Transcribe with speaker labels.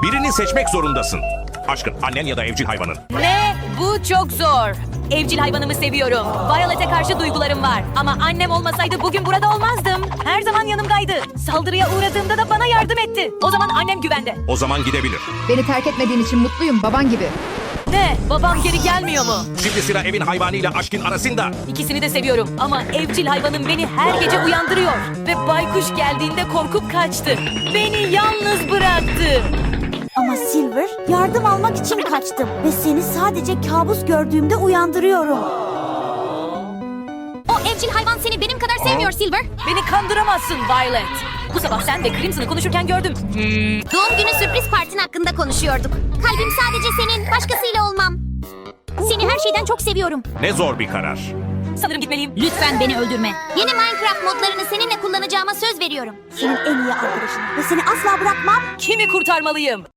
Speaker 1: Birini seçmek zorundasın. Aşkın, annen ya da evcil hayvanın.
Speaker 2: Ne? Bu çok zor. Evcil hayvanımı seviyorum. Violet'e karşı duygularım var. Ama annem olmasaydı bugün burada olmazdım. Her zaman yanımdaydı. Saldırıya uğradığımda da bana yardım etti. O zaman annem güvende.
Speaker 1: O zaman gidebilir.
Speaker 3: Beni terk etmediğin için mutluyum, baban gibi.
Speaker 2: Ne? Babam geri gelmiyor mu?
Speaker 1: Şimdi sıra evin hayvanıyla aşkın arasında.
Speaker 2: İkisini de seviyorum ama evcil hayvanım beni her gece uyandırıyor. Ve baykuş geldiğinde korkup kaçtı. Beni yalnız bıraktı.
Speaker 4: Ama Silver, yardım almak için kaçtım ve seni sadece kabus gördüğümde uyandırıyorum.
Speaker 5: O evcil hayvan seni benim kadar sevmiyor Silver.
Speaker 2: Beni kandıramazsın Violet. Bu sabah sen ve Crimson'ı konuşurken gördüm.
Speaker 5: Doğum günü sürpriz partin hakkında konuşuyorduk. Kalbim sadece senin, başkasıyla olmam. Seni her şeyden çok seviyorum.
Speaker 1: Ne zor bir karar.
Speaker 2: Sanırım gitmeliyim.
Speaker 5: Lütfen beni öldürme. Yeni Minecraft modlarını seninle kullanacağıma söz veriyorum.
Speaker 4: Senin en iyi arkadaşın ve seni asla bırakmam.
Speaker 2: Kimi kurtarmalıyım?